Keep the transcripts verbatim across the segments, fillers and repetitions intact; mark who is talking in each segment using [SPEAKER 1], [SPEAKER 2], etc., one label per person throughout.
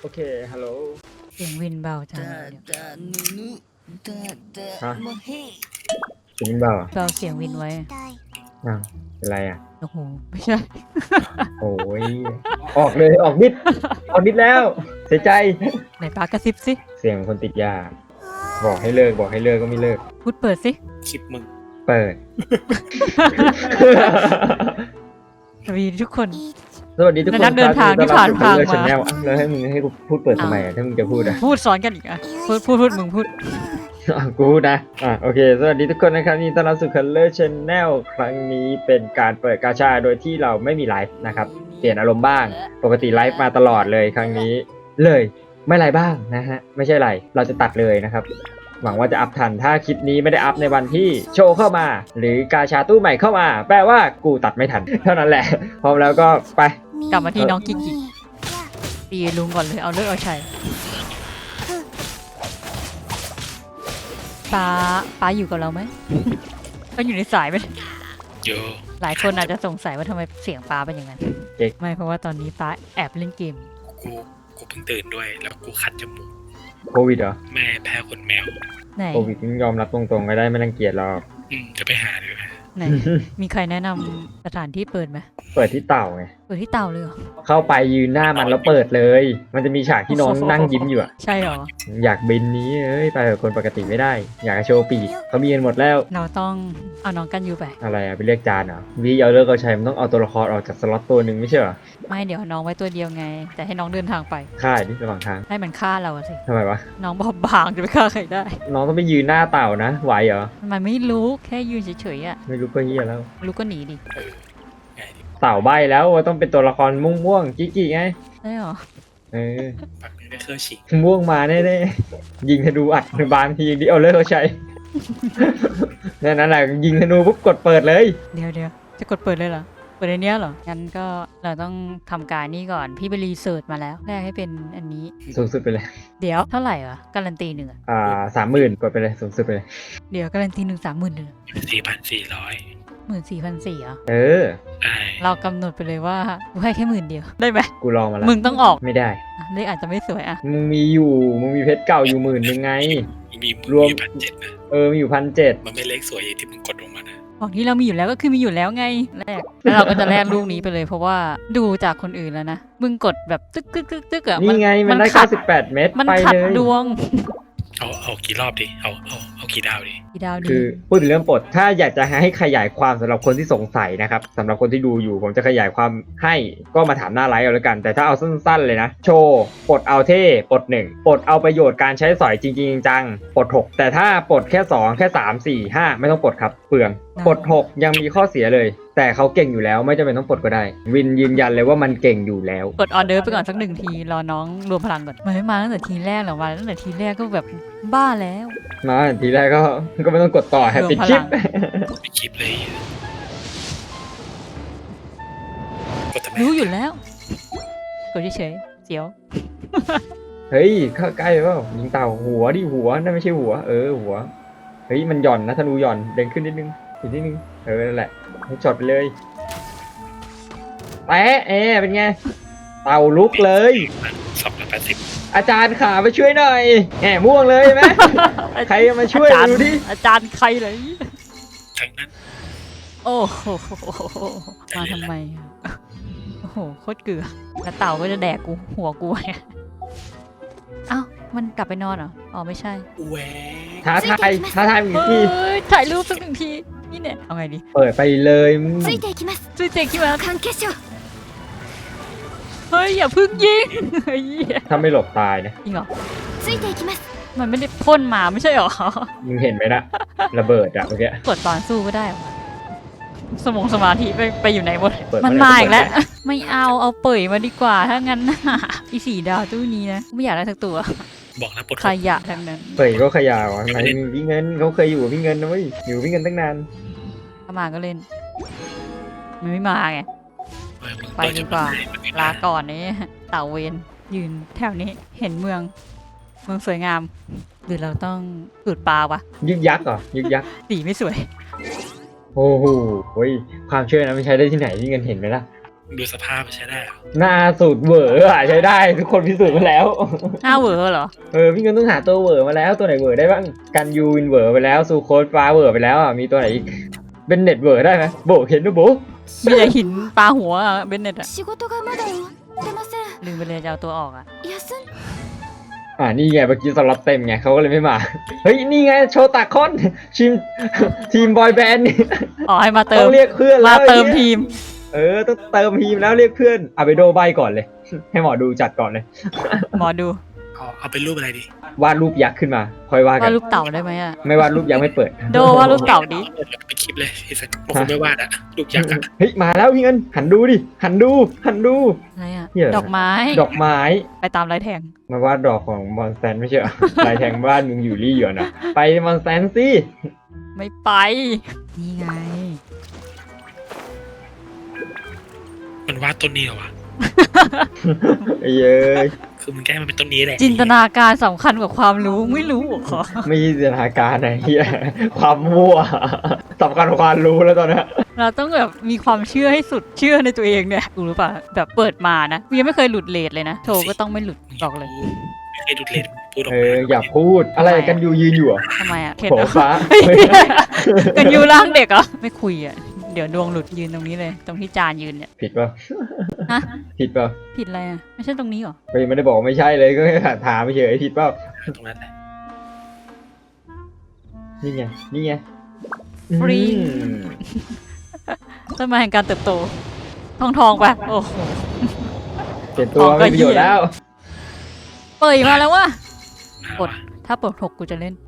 [SPEAKER 1] โอเค ฮัลโหล
[SPEAKER 2] เสียงวินเบาจังเลย
[SPEAKER 1] ฮะเสียงเบาอ่ะ
[SPEAKER 2] เบาเสียงวินไว้
[SPEAKER 1] อ้าวเป็นไรอ่ะ
[SPEAKER 2] โอ้โห ไม่ใช่
[SPEAKER 1] โอ้ย ออกเลย ออกนิด ออกนิดแล้ว เสียใจ
[SPEAKER 2] ไหนปากกระซิบสิ
[SPEAKER 1] เสียงคนติดยา บอกให้เลิก บอกให้เลิกก็ไม่เลิก
[SPEAKER 2] พูดเปิดสิ
[SPEAKER 3] คลิปมึง
[SPEAKER 1] เปิด
[SPEAKER 2] สวัสดีทุกคน
[SPEAKER 1] สวัสดีทุกคน
[SPEAKER 2] นักเดินทางที่ผ่านทางมา
[SPEAKER 1] ชแนลแล้วให้มึงให้กูพูดเปิดทำไมอ่ะ ถ้ามึงจะพูดอ่ะ
[SPEAKER 2] พูดสอนกันอีกอ่ะ พูดพูดพูดมึงพูด
[SPEAKER 1] อ่ะกูพูดนะ อ่ะโอเค สวัสดีทุกคนนะครับนี่ต้อนรับสู่ Color Channel ครั้งนี้เป็นการเปิดกาชาโดยที่เราไม่มีไลฟ์นะครับ เปลี่ยนอารมณ์บ้าง ปกติไลฟ์มาตลอดเลยครั้งนี้ เลย ไม่ไลฟ์บ้างนะฮะ ไม่ใช่ไร เราจะตัดเลยนะครับ หวังว่าจะอัพทัน ถ้าคลิปนี้ไม่ได้อัพในวันที่โชว์เข้ามา หรือกาชาตู้ใหม่เข้ามา แปลว่ากูตัดไม่ทัน เท่านั้นแหละ พร้อมแล้วก็ไป
[SPEAKER 2] กลับมาที่น้องกิกกิกตีลุงก่อนเลย เอาเลิกเอาชัยป้าป้าอยู่กับเราไหม ก็อยู่ในสายไป
[SPEAKER 3] โย
[SPEAKER 2] หลายคนอาจจะสงสัยว่าทำไมเสียงป้าเป็นอย่างนั้น
[SPEAKER 1] เจ๊ก
[SPEAKER 2] ไม่เพราะว่าตอนนี้ป้าแอบเล่นเกม
[SPEAKER 3] กูกูเพิ่งตื่นด้วย แล้วกูคัดจมูก
[SPEAKER 1] โควิดเหรอ
[SPEAKER 3] แม่แพ้ขนแมว
[SPEAKER 2] ไหน
[SPEAKER 1] โควิดมึงยอมรับตรงๆก็ได้ไม่รังเกียจหรอก
[SPEAKER 3] อืมจะไปหาเลย
[SPEAKER 2] ไหน มีใครแนะนำสถานที่เปิดไหม
[SPEAKER 1] เปิดที่เต่าไง
[SPEAKER 2] เปิดที่เตาเลยเหรอ
[SPEAKER 1] เข้าไปยืนหน้ามันแล้วเปิดเลย มันจะมีฉากที่น้องนั่งยิ้มอยู่อะ
[SPEAKER 2] ใช่เหรอ
[SPEAKER 1] อยากบินนี้เอ้ยไปกับคนปกติไม่ได้ อยากจะโชว์ปีกเขามีกันหมดแล้ว
[SPEAKER 2] เราต้องเอาน้องกันอยู่ไป
[SPEAKER 1] อะไรอะไปเรียกจานเหรอวีเอาเลิกเอาใช้มันต้องเอาตัวละครออกจากสล็อตตัวหนึ่งไม่ใช่เหรอ
[SPEAKER 2] ไม่เดี๋ยวน้องไว้ตัวเดียวไง แต่ให้น้องเดินทางไป
[SPEAKER 1] ค่ายดิระหว่างทาง
[SPEAKER 2] ให้มันฆ่าเราอะสิ
[SPEAKER 1] ทำไมวะ
[SPEAKER 2] น้องบอบบางจะไปฆ่าใครได้
[SPEAKER 1] น้องต้องไปยืนหน้าเต่านะไหวเหรอ
[SPEAKER 2] มันไม่รู้แค่ยืนเฉยๆอะ
[SPEAKER 1] ไม่รู้ก็เฮียแล้ว
[SPEAKER 2] รู้ก็หนีดิ
[SPEAKER 3] เออไงดิ
[SPEAKER 1] เต่าใบแล้วว่าต้องเป็นตัวละครม่วงๆกิ๊กๆไง
[SPEAKER 2] ได้เหรอ
[SPEAKER 1] เออ
[SPEAKER 3] ปักนี้ได้เครื่องฉีก
[SPEAKER 1] ม่วงมาแน่ๆยิงธนูอัดบางทีดิเอาเลิกเอาใช้ นั่นนั่นแหละยิงธนูปุ๊บกดเปิดเลย
[SPEAKER 2] เดี๋ยวเดี๋ยวจะกดเปิดเลยเหรอ เปิดในเนี้ยเหรอ งั้นก็เราต้องทำการนี่ก่อน พี่ไปรีเสิร์ชมาแล้ว แรกให้เป็นอันนี้
[SPEAKER 1] สูงสุดไปเลย
[SPEAKER 2] เดี๋ยวเท่าไหร่วะ การันตีหนึ่งอะ
[SPEAKER 1] อ่าสามหมื่นกดไปเลยสูงสุดไปเลย
[SPEAKER 2] เดี๋ยวการันตีหนึ่งสามหมื่นหนึ่ง
[SPEAKER 3] สี่พันสี่ร้อย
[SPEAKER 2] หมื่นสี่พันสี่อะ
[SPEAKER 1] เออ
[SPEAKER 3] ไอ้
[SPEAKER 2] เรากำหนดไปเลยว่ากูให้แค่หมื่นเดียว ได้ไหม
[SPEAKER 1] กูลองมาแล้ว
[SPEAKER 2] มึงต้องออก
[SPEAKER 1] ไม่ได้
[SPEAKER 2] อ่ะเลขอาจจะไม่สวยอะ
[SPEAKER 1] มึงมีอยู่ มึงมีเพชรเก่าอยู่หมื่นยังไง
[SPEAKER 3] มี
[SPEAKER 1] รวม
[SPEAKER 3] มีพันเจ็ดนะ
[SPEAKER 1] เออ มีอยู่พันเจ็ด
[SPEAKER 3] มันไม่เล็กสวยอย่างที่มึงกดลงมานะ
[SPEAKER 2] ของที่เรามีอยู่แล้วก็คือมีอยู่แล้วไงแรกแล้วเราก็จะแลกลูกนี้ไปเลยเพราะว่าดูจากคนอื่นแล้วนะ มึงกดแบบตึกตึกตึกตึกอะ
[SPEAKER 1] นี่ไง มันได้
[SPEAKER 2] ขั
[SPEAKER 1] เก้าสิบแปดเม็ด
[SPEAKER 2] มัน
[SPEAKER 1] ไป
[SPEAKER 2] ขัด
[SPEAKER 1] เลย
[SPEAKER 2] ดวง
[SPEAKER 3] เอาเอากี่รอบดิเอาเอาเอากี่ดาวดิ
[SPEAKER 2] อีดาวดี
[SPEAKER 1] คือพูดถึงเรื่องปลด ถ้าอยากจะให้ขยายความสำหรับคนที่สงสัยนะครับสำหรับคนที่ดูอยู่ ผมจะขยายความให้ก็มาถามหน้าไลฟ์เอาแล้วกัน แต่ถ้าเอาสั้นๆเลยนะ โชว์ปลดเอาเท่ปลดหนึ่งปลดเอาประโยชน์การใช้สอยจริงๆจังปลดหกแต่ถ้าปลดแค่สองแค่สาม สี่ ห้าไม่ต้องปลดครับเปลืองปลดหกยังมีข้อเสียเลย แต่เขาเก่งอยู่แล้วไม่จำเป็นต้องปลดก็ได้ วินยืนยันเลยว่ามันเก่งอยู่แล้ว
[SPEAKER 2] กดออเดอร์ไปก่อนสักหนึ่งทีรอน้องรวมพลังก่อนมันไม่มาตั้งแต่ทีแรกหรอกมาตั้งแต่ทีแรกก็แบบบ้าแล้ว
[SPEAKER 1] มาทีแรกก็ก็ไม่ต้องกดต่อให้ปิดคลิป
[SPEAKER 3] ไปคลิปเลยกดทำไม
[SPEAKER 2] รู้อยู่แล้วกดเฉยๆเสียว
[SPEAKER 1] เฮ้ยเข้าใกล้เปล่ายิงเต่าหัวดิหัวนั่นไม่ใช่หัวเออหัวเฮ้ยมันหย่อนนะธนูหย่อนเด้งขึ้นนิดนึงอีกนิดนึงเออนั่นแหละให้ช็อตไปเลยแปะเอเป็นไงเต่าลุกเลย
[SPEAKER 3] สองร้อยแปดสิบ
[SPEAKER 1] อาจารย์ขามาช่วยหน่อยแหมม่วงเลยไหม ใครมาช่วย
[SPEAKER 2] อาจารย์
[SPEAKER 1] ดูดิ
[SPEAKER 2] อาจารย์ใครเลย
[SPEAKER 3] ทั้งนั้น
[SPEAKER 2] โอ้โหมาทำไมอะโอ้โหโคตรเกลือแล้วเต่าก็จะแดกกูหัวกูไงเอ้ามันกลับไปนอนเหรออ๋อไม่ใช่
[SPEAKER 3] แหว
[SPEAKER 1] ท้าทายท้าทายอีกที
[SPEAKER 2] เฮ้ยถ่ายรูปสักหนึ่งทีนี่เนี่ยเอาไงดี
[SPEAKER 1] เปิดไปเลยมึง
[SPEAKER 4] ついていきます
[SPEAKER 2] ช่วยเจ๊คิดว่า
[SPEAKER 4] 関係者
[SPEAKER 2] เฮ้ยอย่าเพึ่งยิงเฮ้ย
[SPEAKER 1] ถ้าไม่หลบตายนะ
[SPEAKER 2] จริงเหรอ
[SPEAKER 4] ついていきます
[SPEAKER 2] มันไม่ได้พ่นมาไม่ใช่เหรอ
[SPEAKER 1] มึงเห็นไหมนะระเบิดอะเมื่อกี้
[SPEAKER 2] กดตอนสู้ก็ได้เหรอสมองสมาธิไปไปอยู่ไหนหมด
[SPEAKER 1] เปิด
[SPEAKER 2] มัน
[SPEAKER 1] เมื่อไหร่
[SPEAKER 2] มาอีกแล้ว
[SPEAKER 1] ก็เปิด
[SPEAKER 2] ไม่เอาเอาเปิดมาดีกว่าถ้างั้นน่ะอีสีดาวตู้นี้นะไม่อยากได้สักตัว
[SPEAKER 3] บอกนะปลด
[SPEAKER 2] ขยะทั้งนั้น
[SPEAKER 1] เปิดก็ขยาวอะไหนมีพี่เงินเขาเคยอยู่กับพี่เงินนะเว้ยอยู่กับพี่เงินตั้งนาน
[SPEAKER 2] ถ้ามาก็เล่น มันไม่มาไง
[SPEAKER 3] เออมึง
[SPEAKER 2] ไป
[SPEAKER 3] เปิ
[SPEAKER 2] ดีกว่า
[SPEAKER 3] จะมให้
[SPEAKER 2] ลาก่อนนี้เต่าเวนยืนแถวนี้เห็นเมือง เมืองสวยงาม หรือเราต้องสูดปลาวะ
[SPEAKER 1] ยึกยักษ์เหรอยึกยักษ์
[SPEAKER 2] สีไม่สวย
[SPEAKER 1] โอ้โหเฮ้ยความเชื่อนะไม่ใช้ได้ที่ไหนพี่เงินเห็นไหมล่ะ
[SPEAKER 3] ดูสภาพใช้ได้เหรอ
[SPEAKER 1] หน้าสูตรเวอร์อะใช้ได้ทุกคนพิสูจน์มาแล้ว
[SPEAKER 2] หน้าเหวอเหรอ
[SPEAKER 1] เออพี่เงินต้องหาตัวเวอร์มาแล้วตัวไหนเวอร์ได้บ้างกันยูวินเวอร์ไปแล้วซูโคสฟ้าเวอร์ไปแล้วอ่ะมีตัวไหนอีกเป็นเน็ตเวอร์ได้ไหมโบเห็นด้วยโบ
[SPEAKER 2] มีแต่หินปลาหัวอะเบนเน็ตอะ
[SPEAKER 4] 仕事がまだ終わってません
[SPEAKER 2] ลืมไปเลยจะเอาตัวออกอะ
[SPEAKER 4] 休ん
[SPEAKER 1] อ่านี่ไงเมื่อกี้สล็อตเต็มไงเขาก็เลยไม่มาเฮ้ยนี่ไงโชตาคอนทีมทีมบอยแบนด์นี่
[SPEAKER 2] อ๋อให้มาเติ
[SPEAKER 1] ต้
[SPEAKER 2] ม
[SPEAKER 1] องเรียกเพื่อนแล้
[SPEAKER 2] มาว เติม
[SPEAKER 1] ไอ้
[SPEAKER 2] ที
[SPEAKER 1] หี้ย
[SPEAKER 2] ม
[SPEAKER 1] เออต้องเติมทีมแล้วเรียกเพื่อนเอาไปโดใบก่อนเลย ให้หมอดูจัดก่อนเลย
[SPEAKER 2] หมอดู
[SPEAKER 3] เอาเอาเป็นรูปอะไรดี
[SPEAKER 1] วาดรูปยักษ์ขึ้นมาค่อยว่ากั
[SPEAKER 2] ว่าน รูปเต่าได้ไหมอะ
[SPEAKER 1] ไม่วาดรูปยักษ์ไม่เปิด
[SPEAKER 2] โดว่ารูปเต่าดิ
[SPEAKER 3] เป็นคลิปเลยพี่สันบางคนไม่วาดอะรูปยักษ์อะ
[SPEAKER 1] เฮ้ยมาแล้วพี่เงินหันดูดิหันดูหันดู
[SPEAKER 2] อะไรอะ
[SPEAKER 1] เหี้ย
[SPEAKER 2] ดอกไม้
[SPEAKER 1] ดอกไม้
[SPEAKER 2] ไปตามไรแทง
[SPEAKER 1] มาวาดดอกของมอนสแตนไม่ใช่เหรอ ลายแทงบ้านมึงอยู่รี่อยู่นะไปมอนสแตนสิ
[SPEAKER 2] ไม่ไป นี่ไง
[SPEAKER 3] มันวาดต้นนี้เหรอวะ
[SPEAKER 1] ไอ้เย้ย
[SPEAKER 3] คือมึงแกล้งมันเป็นต้นนี้แหละ
[SPEAKER 2] จินตนาการสำคัญกว่าความรู้ไม่รู้เหรอ
[SPEAKER 1] ไม่ใช่จินตนาการนะเฮียความมั่วสำคัญกว่าความรู้แล้วตอนเนี้ย
[SPEAKER 2] เราต้องแบบมีความเชื่อให้สุดเชื่อในตัวเองเนี่ยรู้หรือเปล่าแบบเปิดมานะกูยังไม่เคยหลุดเลทเลยนะโชว์ก็ต้องไม่หลุดบอกเลย
[SPEAKER 3] ไม่เคยดูดเลนพูดออก
[SPEAKER 1] เอ
[SPEAKER 3] มา
[SPEAKER 1] ออย่าพูดอะไรกันอยู่ยืนอยู่อ่ะ
[SPEAKER 2] ทำไมอะเข็ด
[SPEAKER 1] โผ
[SPEAKER 2] เหรอ
[SPEAKER 1] ฟ้า
[SPEAKER 2] กันยูร่างเด็กเหรอไม่คุยอะเดี๋ยวดวงหลุดยืนตรงนี้เลย ตรงที่จานยืนเนี่ย
[SPEAKER 1] ผิดป่ะ
[SPEAKER 2] ฮะ
[SPEAKER 1] ผิดป่ะ
[SPEAKER 2] ผิดอะไรอะไม่ใช่ตรงนี้เหรอ
[SPEAKER 1] ไปไม่ได้บอกว่าไม่ใช่เลยก็แค่ถามเฉยผิดเปล่า
[SPEAKER 3] ตรงนั้นแหละ
[SPEAKER 1] นี่ไงนี่ไง
[SPEAKER 2] ฟรี
[SPEAKER 1] อืม
[SPEAKER 2] ต้นไม้แห่งการเติบโต ทองทองไปโอ้โห
[SPEAKER 1] เปลี่ยนตัวไม่มีประโยชน์แล้ว
[SPEAKER 2] เปิดมาแล้ววะ
[SPEAKER 3] เอา
[SPEAKER 2] กด
[SPEAKER 3] วะ
[SPEAKER 2] ถ้าเปิดหกกูจะเล่น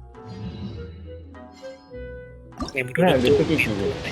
[SPEAKER 3] เกมดู
[SPEAKER 1] น่า
[SPEAKER 3] ดู
[SPEAKER 1] จะ
[SPEAKER 3] ดู
[SPEAKER 1] เป็นกี่ที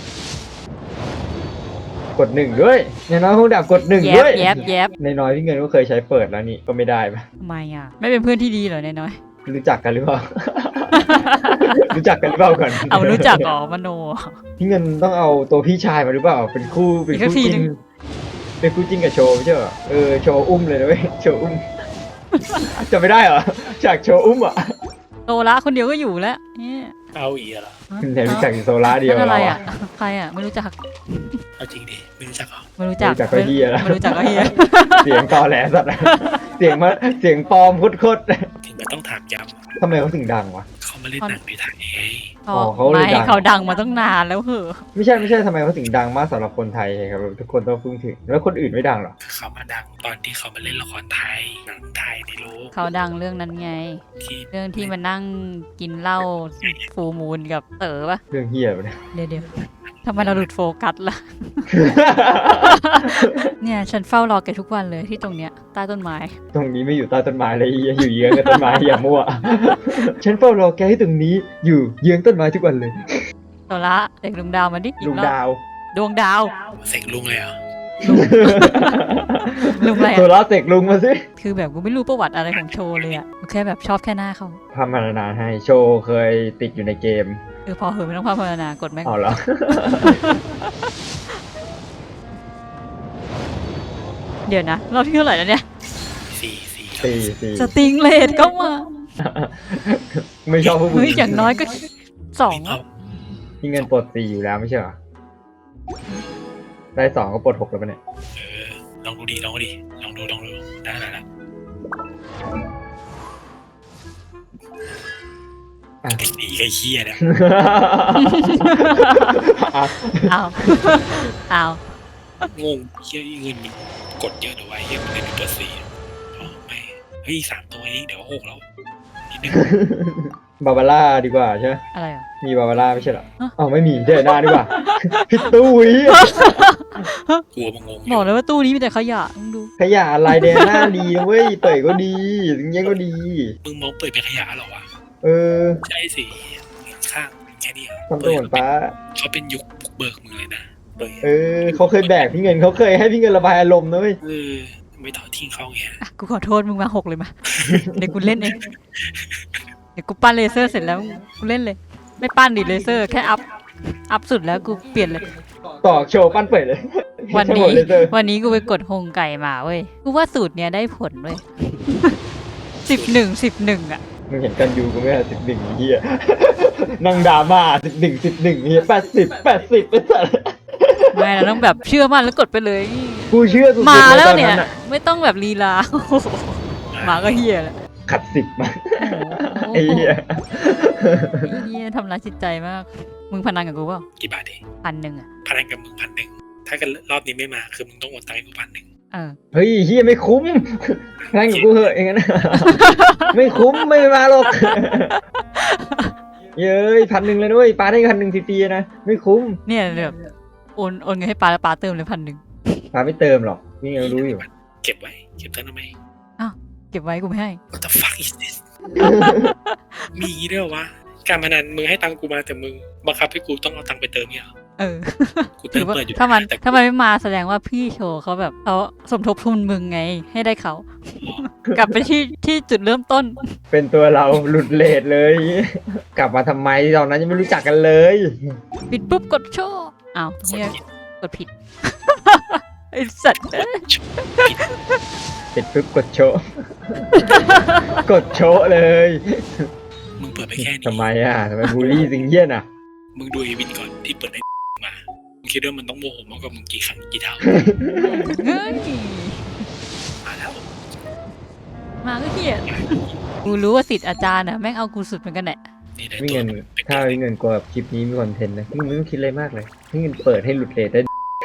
[SPEAKER 1] กดหนึ่งด้วยในน้อยคงดับกดหนึ่ง
[SPEAKER 2] แย
[SPEAKER 1] ด้
[SPEAKER 2] บ
[SPEAKER 1] วย
[SPEAKER 2] แยบแยบ
[SPEAKER 1] ในน้อยพี่เงินก็เคยใช้เปิดแล้วนี่ก็ไม่ได้ปะ
[SPEAKER 2] ทำไมอ่ะ ไม่เป็นเพื่อนที่ดีเหรอเนยน้อย
[SPEAKER 1] รู้จักกันหรือเปล่า รู้จักกันหรือเปล่าก่อน
[SPEAKER 2] เอารู้จักอ๋อมโน
[SPEAKER 1] พี่เงินต้องเอาตัวพี่ชายมาหรือเปล่า เป็นคู่เป็น
[SPEAKER 2] อีกสั
[SPEAKER 1] คู่
[SPEAKER 2] กที
[SPEAKER 1] จิ้
[SPEAKER 2] หนึ่
[SPEAKER 1] น
[SPEAKER 2] ง
[SPEAKER 1] เป็นคู่จิ้นกับโชว์ไม่ใช่เหรอเออโชว์อุ้มเลยนะเว้ยโชว์อุ้ม จะไม่ได้เหรอจากโชว์อุ้มอ่ะ
[SPEAKER 2] โตละคนเดียวก็อยู่แล้วเนี่ย
[SPEAKER 3] เอาอีกเหรอ
[SPEAKER 1] แต่รู้จักอยู่โซล่าเดียว
[SPEAKER 2] นั่นอะไร
[SPEAKER 1] เรา
[SPEAKER 2] อ่ะ ใครอ่ะ ไม่รู้จัก
[SPEAKER 3] เอาจริงดิไม่รู้จักเหรอ
[SPEAKER 2] ไม่รู้จัก
[SPEAKER 1] รู้จักก็เฮียแล้ว
[SPEAKER 2] ไม่รู้จักก็เฮีย
[SPEAKER 1] เสียงตอแหลสัตว์ เสียงมาเสียงปลอมโคตร
[SPEAKER 3] ถึงมันต้องถามย้
[SPEAKER 1] ๆทำไมเขาถึงดังวะ
[SPEAKER 3] ำเขามาเล่นหนังในไทยไง
[SPEAKER 1] อ๋อเขาเลย
[SPEAKER 2] ไม่
[SPEAKER 1] ดัง
[SPEAKER 2] เขาดังมาตั้งนานแล้วเหอะ
[SPEAKER 1] ไม่ใช่ไม่ใช่ทำไมเขาถึงดังมากสำหรับคนไทยครับทุกคนต้องพึ่งถึงแล้วคนอื่นไม่ดังหรอ
[SPEAKER 3] คือเขามาดังตอนที่เขามาเล่นละครไทยหนังไทยในโลก
[SPEAKER 2] เขาดังเรื่องนั้นไง
[SPEAKER 3] ที่
[SPEAKER 2] เรื่องที่มานั่งกินเหล้าฟูมูลกับเต๋อปะ
[SPEAKER 1] เรื่องเฮียไปเนี่ย
[SPEAKER 2] เดี๋ยวเดี๋ยวทำไมเราหลุดโฟกัสล่ะ เนี่ยฉันเฝ้ารอแกทุกวันเลยที่ตรงเนี้ยใต้ต้นไม้
[SPEAKER 1] ตรงนี้ไม่อยู่ใต้ต้นไม้เลยอยู่เยื้องกับต้นไม้อย่ามั่ว ฉันเฝ้ารอแกให้ตรงนี้อยู่เยื้องต้นไม้ทุกวันเลย
[SPEAKER 2] โซละเด็กดวงดาวมาดิอีก
[SPEAKER 1] ลุง
[SPEAKER 2] รอบ
[SPEAKER 1] ดาว
[SPEAKER 2] ดวงดาว
[SPEAKER 3] เสกลุงเลยเหรอ
[SPEAKER 2] ลุงอะไร
[SPEAKER 1] โซ
[SPEAKER 2] อะ
[SPEAKER 1] ล่าเสกลุงมาสิ
[SPEAKER 2] คือแบบกูไม่รู้ประวัติอะไรของโชว์เลยอะกูแค่แบบชอบแค่หน้าเขา
[SPEAKER 1] พามานานให้โชว์เคยติดอยู่ในเกม
[SPEAKER 2] เออพอเหอะไม่ต้องพาพรรณนากดแม่ง
[SPEAKER 1] เอาเหรอ
[SPEAKER 2] เดี๋ยวนะรอบที่เท่าไหร่แล้วเนี่ย
[SPEAKER 3] สี่สี่ครับ
[SPEAKER 1] สี่สี่
[SPEAKER 2] สติงเลดก็มา
[SPEAKER 1] ไม่ชอบผู้ห
[SPEAKER 2] เฮ้ย
[SPEAKER 1] ญิง
[SPEAKER 2] อย่างน้อยก็สอง
[SPEAKER 3] เอา
[SPEAKER 1] ที่เงินปลดสี่อยู่แล้วไม่ใช่เหรอได้สองก็ปลดหกแล้วปะเนี่ย
[SPEAKER 3] เออลองดูดิลองดูดิลองดูลองดูได้แล้วนะ
[SPEAKER 1] อ่ะ
[SPEAKER 3] ไอ้หนีไอ้เฮียเนี่ย
[SPEAKER 1] อ่ะ
[SPEAKER 2] เอาเอา
[SPEAKER 3] งงเฮียเงินมันกดเยอะหน่อยไว้เฮียมันเล่นเป็นตัวสี่อ๋อไม่เฮ้ยสามตัวเองเดี๋ยวหกแล้วนิดนึง
[SPEAKER 1] บาบาร่าดีกว่าใช่ไหม
[SPEAKER 2] อะไรอ่ะ
[SPEAKER 1] มีบาบาร่าไม่ใช่เหรอ
[SPEAKER 2] ฮะ
[SPEAKER 1] อ๋อไม่มีเจอหน้าดีกว่า พี่ตุ้ย
[SPEAKER 3] กลัวมันงงอบ
[SPEAKER 2] อยู่ กเลยว่าตู้นี้มีแต่ขยะมึงดู
[SPEAKER 1] ขยะลายแดงหน้าดีนะเว้ยเปิดก็ดีถึงยังก็ดี
[SPEAKER 3] มึงมองเปิดเป็นขยะเหรอวะ
[SPEAKER 1] เออ
[SPEAKER 3] ใช่สิข้างแค่นี้
[SPEAKER 1] ทำตัวเหมือนป้า
[SPEAKER 3] เขาเป็นยุคบุกเบิกมึงเลยนะเปิด
[SPEAKER 1] เออเขาเคยแบกพี่เงินเขาเคยให้พี่เงินระบายอารมณ์นะเว้ย
[SPEAKER 3] เออไม่ทอดทิ้งเขาไง
[SPEAKER 2] อ่ะกูขอโทษมึงมาหกเลยมา เดี๋ยวกูเล่นเอง เดี๋ยวกูปั้นเลเซอร์เสร็จแล้วกูเล่นเลย ไม่ปั้นดิเลเซอร์แค่อัพ อัพสุดแล้วกูเปลี่ยนเลย
[SPEAKER 1] ต่อโชว์ปั้นเปิดเลย
[SPEAKER 2] วันนี้
[SPEAKER 1] ใช่หมดเลยเจอ
[SPEAKER 2] วันนี้กูไปกดโฮงไก่มาเว้ย กูว่าสูตรเนี้ยได้ผลเว้ย สิบหนึ่งสิบหนึ่งอ่ะ
[SPEAKER 1] มึงเห็นกันยูกูไหมสิบหนึ่งเฮียนั่งดราม่าสิบหนึ่งสิบหนึ่งเฮียแปดสิบแปดสิบเป็นสัตว์
[SPEAKER 2] ไม่เราต้องแบบเชื่อมั่นแล้วกดไปเลย
[SPEAKER 1] กูเชื่อสุดๆ
[SPEAKER 2] มา
[SPEAKER 1] เลย
[SPEAKER 2] แล้ว
[SPEAKER 1] ตอน
[SPEAKER 2] เนี่ย
[SPEAKER 1] นั้นอะ
[SPEAKER 2] ไม่ต้องแบบลีลา โอ้โหมาก็เฮียแล้ว
[SPEAKER 1] ขัดสิบมา
[SPEAKER 2] โอ้
[SPEAKER 1] ไอ้
[SPEAKER 2] โห
[SPEAKER 1] เหี้ย
[SPEAKER 2] เฮียทำร้ายจิตใจมาก มึงพนันกับกูเปล่า
[SPEAKER 3] กี่บาทดิ
[SPEAKER 2] พันหนึ่งอ่ะ
[SPEAKER 3] พนันกับมึงพันหนึ่งถ้าเกิดรอบนี้ไม่มาคือมึงต้องโอนตังค์ให้กูพันหนึ่ง
[SPEAKER 2] เออ
[SPEAKER 1] เฮ้ยเฮียไม่คุ้มนั่งกับกูเหอะอย่างนั้น ไม่คุ้มไม่มาหรอก เย้ยพันหนึ่งเลยด้วยปาได้พันหนึ่งฟรีๆนะไม่คุ้ม
[SPEAKER 2] เนี่ยแบบโอนโอนเงินให้ปาแล้วปาเติมเลยพันหนึ่ง
[SPEAKER 1] ปาไม่เติมหรอกนี่ยังรู้อยู่
[SPEAKER 3] เก็บไว้เก็บเท่านั้นไหม
[SPEAKER 2] เก็บไว้กูไม่ให้
[SPEAKER 3] What the fuck is this มีด้วยเหรอวะการพนันมึงให้ตังค์กูมาแต่มึงบังคับให้กูต้องเอาตังค์ไปเติมเนี่ยเหรอ
[SPEAKER 2] เออ
[SPEAKER 3] กูเติมเปิดอยู่
[SPEAKER 2] ถ้ามัน
[SPEAKER 3] แต่
[SPEAKER 2] ถ้ามันไม่มาแสดงว่าพี่โชว์เขาแบบเขาสมทบทุนมึงไงให้ได้เขา กลับไปที่ที่จุดเริ่มต้น
[SPEAKER 1] เป็นตัวเราหลุดเลทเลย กลับมาทำไมตอนนั้นยังไม่รู้จักกันเลย
[SPEAKER 2] ปิดปุ๊บกดโชว์อ้าว
[SPEAKER 3] คน
[SPEAKER 2] เนี่ย
[SPEAKER 3] ผิด
[SPEAKER 2] กดผิด ไอสัตว์เอ้ย
[SPEAKER 1] เสร็จปุ๊บกดโชว์ กดโชว์เลย
[SPEAKER 3] มึงเปิดไปแค่นี้
[SPEAKER 1] ทำไมอ่ะทำไมบูลลี่สิงเยี่ยนอ่ะ
[SPEAKER 3] มึงดูไอ้วินก่อนที่เปิดไอ้มามึงคิดว่ามันต้องโมโหมากกว่ามึงกี่ครั้งกี่เท่า
[SPEAKER 2] เฮ้ย
[SPEAKER 3] มาแล้ว
[SPEAKER 2] มาก็เหี้ยกูรู้ว่าสิทธิ์อาจารย์อะแม่งเอากูสุดเหมือนกันแหละ
[SPEAKER 3] นี่ได้
[SPEAKER 1] ไม่
[SPEAKER 3] ตัว
[SPEAKER 1] เงินถ้าไม่เงินกว่าคลิปนี้มีคอนเทนต์นะมึงไม่ต้องคิดอะไรมากเลยให้เงินเปิดให้หลุดเลทได้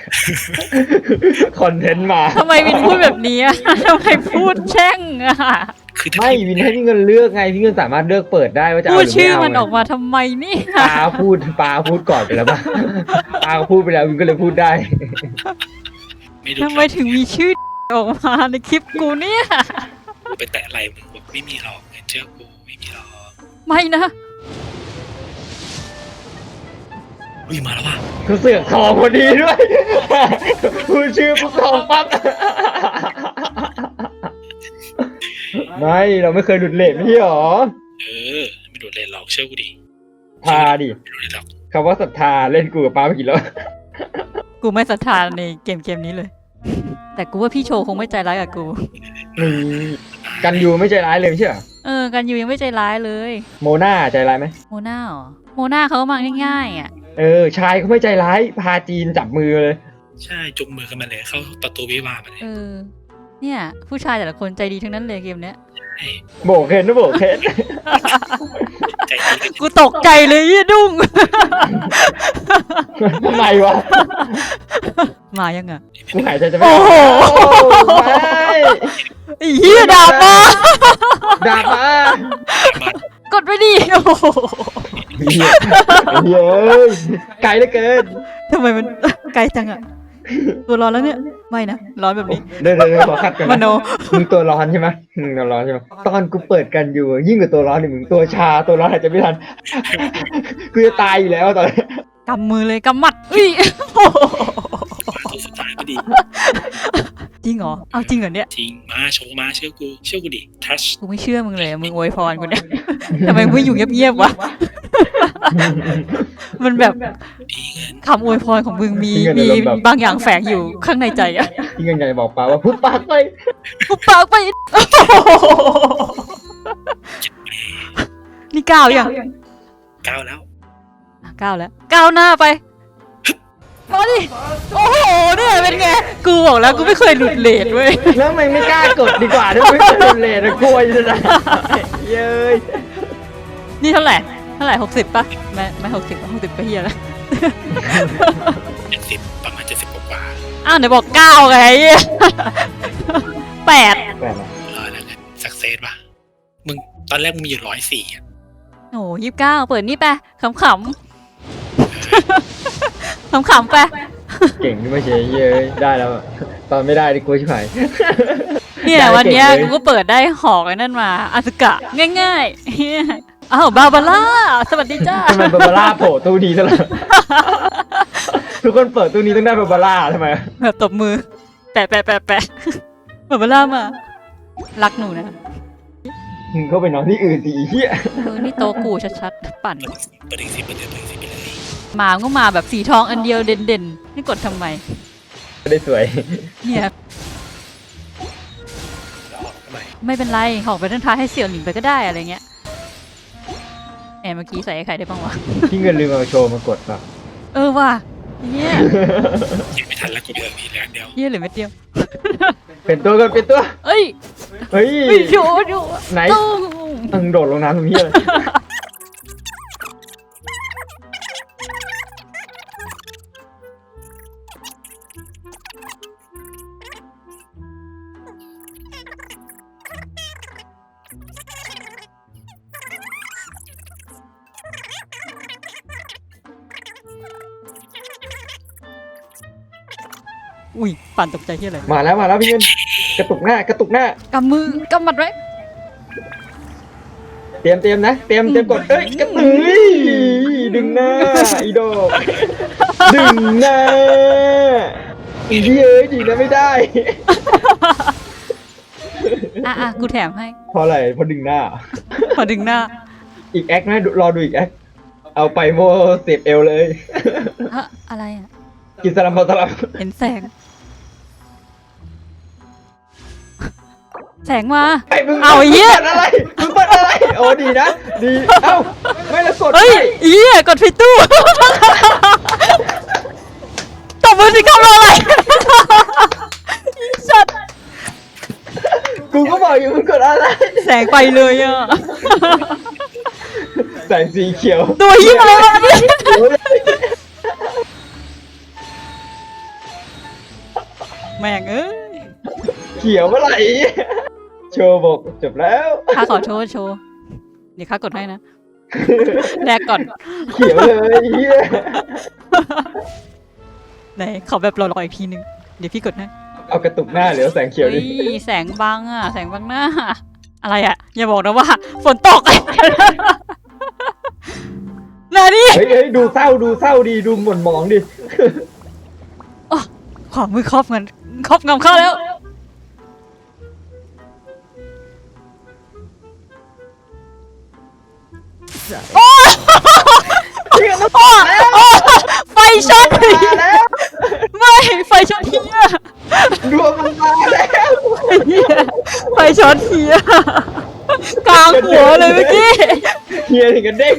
[SPEAKER 1] คอนเทนต์มา
[SPEAKER 2] ทำไมวินพูดแบบนี้อะ ทำไมพูดแช่งอะ
[SPEAKER 3] คือถ้า
[SPEAKER 1] ไม่
[SPEAKER 3] พี่
[SPEAKER 1] วินให้พี่เงินเลือกไงพี่เงินสามารถเลือกเปิดได้ว่าจะ
[SPEAKER 2] พู
[SPEAKER 1] เอา
[SPEAKER 2] ด
[SPEAKER 1] หรือ
[SPEAKER 2] ชื่อ
[SPEAKER 1] ไม่เอา
[SPEAKER 2] มันออก
[SPEAKER 1] ไง
[SPEAKER 2] มาทำไมนี่
[SPEAKER 1] ปาพูดปาพูดก่อนไปแล้วป่ะ ปาพูดไปแล้ววินก็เลยพูดได้
[SPEAKER 3] ไม่ดู
[SPEAKER 2] ทำไมถึงมีชื่อออกมาในคลิปกูเนี่ย
[SPEAKER 3] ไปแตะอะไรมึงบอกไม่มีหรอกเงินเชื่อกูไม่มีหรอก
[SPEAKER 2] ไม่นะ
[SPEAKER 3] อุ้ยมาแล้วว่ะ
[SPEAKER 1] เขาเสือกทองพอดีด้วย พูดชื่อปุ๊บทองปั๊บ ไม่เราไม่เคยหลุดเลทไม่ใช่หรอ
[SPEAKER 3] เออไม่โดดเลยหรอกเชื่อกูดิ
[SPEAKER 1] พาดิ
[SPEAKER 3] ไม่โดดเลยหรอก
[SPEAKER 1] คำว่าศรัทธาเล่นกูกับป้าไปกี่รอบ
[SPEAKER 2] กูไม่ศรัทธาในเกมเกมนี้เลย แต่กูว่าพี่โชว์คงไม่ใจร้ายกับกู
[SPEAKER 1] นี่กันยูไม่ใจร้ายเลยไม่ใช่เหรอ
[SPEAKER 2] เออ กันอยู่ยังไม่ใจร้ายเลย
[SPEAKER 1] โมนาใจร้ายไหม
[SPEAKER 2] โมนาเหรอ โมนาเขามาง่ายๆอ่ะ
[SPEAKER 1] เออ ชายเขาไม่ใจร้าย พาจีนจับมือเลย
[SPEAKER 3] ใช่จุงมือกันมาเลยเข้าประตูวิวาห์มาเลย
[SPEAKER 2] เออ เนี่ย ผู้ชายแต่ละคนใจดีทั้งนั้นเลยเกมเนี้ย
[SPEAKER 3] ใช่
[SPEAKER 1] โบกเคนนะโบกเคน
[SPEAKER 3] ใจดีกัน
[SPEAKER 2] กูตกใจเลยยี่ดุ้ง
[SPEAKER 1] ทำไมวะ
[SPEAKER 2] มายังอ่ะ
[SPEAKER 1] กูหายใจจะไม่
[SPEAKER 2] โอ้
[SPEAKER 1] อ
[SPEAKER 2] โห
[SPEAKER 1] อกไม่
[SPEAKER 2] ไอ้เหี้ยดาบมา
[SPEAKER 1] ด่ามา
[SPEAKER 3] มาก
[SPEAKER 2] ดไปดิโอ้โห
[SPEAKER 1] เฮียเฮียเอ้ยไกลเหลือเกิน
[SPEAKER 2] ทำไมมัน ไกลจังอ่ะ ตัวร้อนแล้วเนี่ย ไม่นะ ร้อนแบบนี้
[SPEAKER 1] เดี๋ยวเดี๋ยวเดี๋ยวขอคัดก่อน
[SPEAKER 2] ม
[SPEAKER 1] นะ
[SPEAKER 2] โน
[SPEAKER 1] มึงตัวร้อนใช่ไหมมึงตัวร้อนใช่ไหมตอนกูเปิดกันอยู่ ยิ่งกว่าตัวร้อนนี่มึงตัวชาตัวร้อนอาจจะไม่ทัน กูจะตายอยู่แล้วตอนนี้
[SPEAKER 2] กำมือเลยกำมัดอุ้ยโอ้โห
[SPEAKER 3] ตัวสุดท้ายพอดี
[SPEAKER 2] จริงเหรอ เอาจริงเหรอเนี่ย
[SPEAKER 3] จริงมาโชว์มาเชื่อกูเชื่อกูดิทัช
[SPEAKER 2] กูไม่เชื่อมึงเลย มึงอวยพรกูเนี่ย ทำไมมึงไม่อยู่เงียบๆวะ มันแบบ
[SPEAKER 3] ดีเงิน
[SPEAKER 2] คำอวยพรของมึงมีมีบางอย่างแฝงอยู่ข้างในใจอะ
[SPEAKER 1] ที่เงินใหญ่บอกปาว่าพุบปากไป
[SPEAKER 2] กูปากไป นี่ก้าวยัง
[SPEAKER 3] ก้าวแล้ว
[SPEAKER 2] อ่ะก้าวแล้วก้าวหน้าไปมาดิโอ้โหเนี่ยเป็นไง กูบอกแล้วกูไม่เคยหลุดเลทเว้ย
[SPEAKER 1] แล้วมันไม่กล้ากดดีกว่าถ้าไม่โดนเลทนะกลัวจะได้เย้ย
[SPEAKER 2] นี่เท่าไหร่ เท่าไหร่หกสิบป่ะ ไม่ไม่หกสิบหกสิบก็เฮียแล้ว
[SPEAKER 3] เจ็ดสิบประมาณเจ็ดสิบกว่า
[SPEAKER 2] อ้าวไหนบอกเก้าไงแปด
[SPEAKER 1] แปลก
[SPEAKER 3] ๆเออแล้วเงินสักเซสป่ะมึงตอนแรกมึงมีอยู่ร้อยสี่อ่ะ
[SPEAKER 2] โอ้ยี่สิบเก้าเปิดนี่ไปขำขำขำขำๆไป
[SPEAKER 1] เก่งที่ไม่ใช่เย้ยได้แล้วอะตอนไม่ได้ดิกลัวชิบหาย
[SPEAKER 2] เนี่ย
[SPEAKER 1] ได้
[SPEAKER 2] วันเนี้ย
[SPEAKER 1] เก่งเลย
[SPEAKER 2] กูก็เปิดได้หอกไอ้นั่นมาอาสกะง่ายๆเหี้ยอ้าวบาบาร่าสวัสดีจ้า
[SPEAKER 1] ทำไมบาบาร่าโผล่ตู้นี้ตลอด ทุกคนเปิดตู้นี้ต้องได้บาบาร่าทำไม
[SPEAKER 2] แบบตบมือ แปะแปะแปะแปะบาบาร่ามา รักหนูนะ
[SPEAKER 1] มึงเข้าไปนอนที่อื่นสิไอ้เหี้ย
[SPEAKER 2] เออนี่โตะกูชัดๆปั่น
[SPEAKER 3] เปิดอีกสิบเปิดอีกสิบเปิดอีกสิบไปเลย
[SPEAKER 2] มาก็มาแบบสีทองอันเดียวเด่นๆนี่กดทำไม
[SPEAKER 1] ไม่ได้สวย
[SPEAKER 2] เนี่ย
[SPEAKER 3] แล้วออกทำไม
[SPEAKER 2] ไม่เป็นไรหอกไปทั้งท้ายให้เสี่ยวหลิงไปก็ได้อะไรเงี้ยแอบเมื่อกี้ใส่ไอ้ไข่ได้บ้างวะ
[SPEAKER 1] ที่เงินลืมเอาโชว์มากดป่ะ
[SPEAKER 2] เออว่ะเฮีย
[SPEAKER 3] ยิงไม่ทันแล้วกูเดือดพี่เหลืออันเดียว
[SPEAKER 2] เฮียเหลือเม็ดเดียว
[SPEAKER 1] เป็นตัวกันเป็นตัว
[SPEAKER 2] เอ้ย
[SPEAKER 1] เฮ้ย
[SPEAKER 2] เฮ้ยโดนโดน
[SPEAKER 1] ไหน
[SPEAKER 2] ตุ้ง
[SPEAKER 1] มึงโดดลงน้ำตรงนี้เลย
[SPEAKER 2] อุ้ยปั่นตกใจเฮียอะไร
[SPEAKER 1] มาแล้วมาแล้วพี่เงินกระตุกหน้ากระตุกหน้าก
[SPEAKER 2] ำมือกำมัดไว้
[SPEAKER 1] เตรียมเตรียมนะเตรียมเตรียมกดเอ้ยกระตุกดึงหน้าอีดอกดึงหน้าอีเย้ยดีนะไม่ได้
[SPEAKER 2] อ่ะอ่ะกูแถมให้
[SPEAKER 1] เพราะอะไรเพราะดึงหน้า
[SPEAKER 2] พอดึงหน้า
[SPEAKER 1] อีกแอคนะรอดูอีกแอคเอาไปโมเสียบเอวเลย
[SPEAKER 2] ฮะอะไรอ่ะ
[SPEAKER 1] กินสลัมพอสลัม
[SPEAKER 2] เห็นแสง แสงมา
[SPEAKER 1] ไอ้มึง
[SPEAKER 2] เอาไอ้เหี้ย
[SPEAKER 1] มึงเปิดอะไรมึงเปิดอะไรโอ้ดีนะดีเอ้าไม่ละกด
[SPEAKER 2] เฮ้ยเฮียกดผิดตู้ ตบมือสิครับรออะไร อีสัตว์
[SPEAKER 1] กูก็บอกอยู่มึงกดอะไร
[SPEAKER 2] แสงไปเลยอ่ะ
[SPEAKER 1] แสงสีเขียว
[SPEAKER 2] ตัวเฮียอะไรวะเนี่ย
[SPEAKER 1] โอ้ย
[SPEAKER 2] แม่งเอ้ย
[SPEAKER 1] เขียวเมื่อไหร่โชว์บอกจบแล้ว
[SPEAKER 2] ข้าขอโทษโชว์ เดี๋ยวข้ากดให้นะ แลกก่อน
[SPEAKER 1] เขียวเลยเฮีย
[SPEAKER 2] ไหนขอแบบรอๆอีกทีนึง เดี๋ยวพี่กดให้
[SPEAKER 1] เอากระตุกหน้าเหลือแสงเขียว
[SPEAKER 2] เฮ้
[SPEAKER 1] ดิ
[SPEAKER 2] ยแสงบังอ่ะ แสงบังหน้า อะไรอ่ะ อย่าบอกนะว่า ฝนตก นานี่
[SPEAKER 1] เฮ้ยเฮ้ยดูเศร้าดูเศร้าดีดูหม่นหมองดิ
[SPEAKER 2] ขวามือครอบเงินครอบงำเข้าแล้ว
[SPEAKER 1] เฮียมัน
[SPEAKER 2] โอ้โอ้ไฟช็อต
[SPEAKER 1] มาแล้ว
[SPEAKER 2] ไม่ไฟช็อตเฮีย
[SPEAKER 1] ดวงมันมาแล้ว
[SPEAKER 2] เหี้ยไฟช็อตเฮียกลางหัวเลยเมื่อกี้
[SPEAKER 1] เฮียถึงกันเด้ง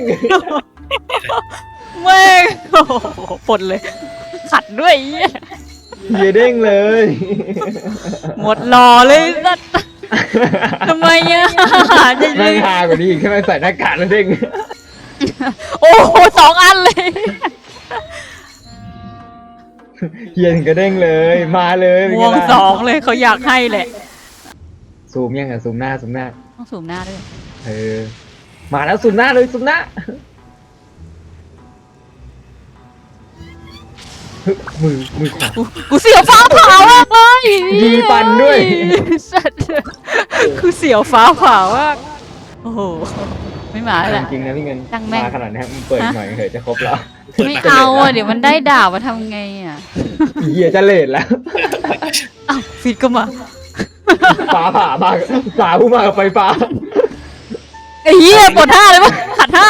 [SPEAKER 2] แม่งโอ้โหปลดเลย ขัดด้วยเหี้ย
[SPEAKER 1] เฮียเด้งเลย
[SPEAKER 2] หมดหล่อเลยสัตว์ทำไมอ่ะจะ
[SPEAKER 1] แม่งฮากว่านี้อีกแค่ไม่ใส่หน้ากากแล้วเด้ง
[SPEAKER 2] โอ้โหสองอันเลย
[SPEAKER 1] เฮียถึงกระเด้งเลย มาเลยเป็น
[SPEAKER 2] ว
[SPEAKER 1] ไง
[SPEAKER 2] ง
[SPEAKER 1] ล่ะ
[SPEAKER 2] สองเลยเขาอยากให้แหละ
[SPEAKER 1] ซูมยังอ่ะซูมหน้าซูมหน้า
[SPEAKER 2] ต้องสูมหน้าด้วย
[SPEAKER 1] เออ มาแล้วซูมหน้าเลยซูมหน้าฮึมือมือขวา
[SPEAKER 2] กูกูเสียวฟ้าผ่ามากเลย
[SPEAKER 1] มีฟันด้วย
[SPEAKER 2] สัตว์กูเสียวฟ้าผ่ามากโอ้โหไม่มาแล้วแหละ
[SPEAKER 1] จริงๆนะพี่เงิน
[SPEAKER 2] ช่างแม่ง
[SPEAKER 1] มาขนาดนี้มึงเปิดหน่อยเถอะจะครบแล้ว
[SPEAKER 2] ไม่เอาอ่ะเดี๋ยวมันได้ดาบมาทำไงอ่ะ
[SPEAKER 1] เฮียจะเลทแล้ว
[SPEAKER 2] อ้าวฟิตก็มา
[SPEAKER 1] ฟ้าผ่ามาฟ้าผู้มากับไฟฟ้า
[SPEAKER 2] ไอ้เหี้ยปวดท่าเลยปะขัดท่า